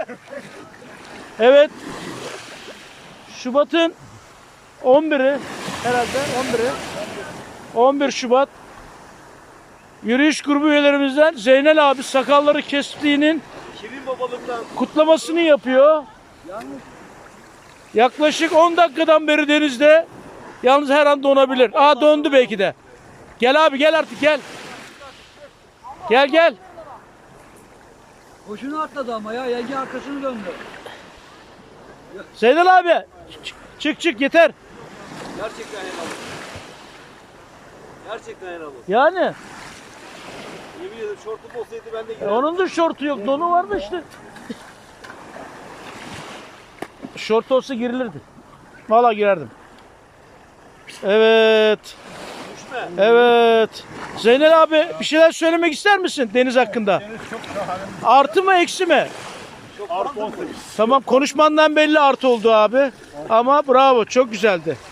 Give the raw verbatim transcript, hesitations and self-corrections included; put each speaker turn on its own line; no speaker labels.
Evet. Şubat'ın on biri herhalde on biri. on bir Şubat. Yürüyüş grubu üyelerimizden Zeynel abi sakalları kestiğinin
Şirin babalıktan
kutlamasını yapıyor. Yaklaşık on dakikadan beri denizde. Yalnız her an donabilir. Aa dondu belki de. Gel abi gel artık gel. Gel gel.
Boşuna atladı ama ya. Yenge arkasını döndü.
Zeynel abi. Çık çık, çık yeter.
gerçekten helal olsun. Gerçekten helal olsun.
Yani.
Yemin ederim şortum olsaydı ben de
E,
girerdim.
onun da şortu yok. Donu vardı işte. Şort olsa girilirdi. Vallahi girerdim. Evet.
Düşme.
Evet. Zeynel abi bir şeyler söylemek ister misin deniz hakkında?
Deniz çok şahane.
Artı mı eksi mi?
Artı on sekiz.
Tamam konuşmandan belli artı oldu abi. Ama bravo çok güzeldi.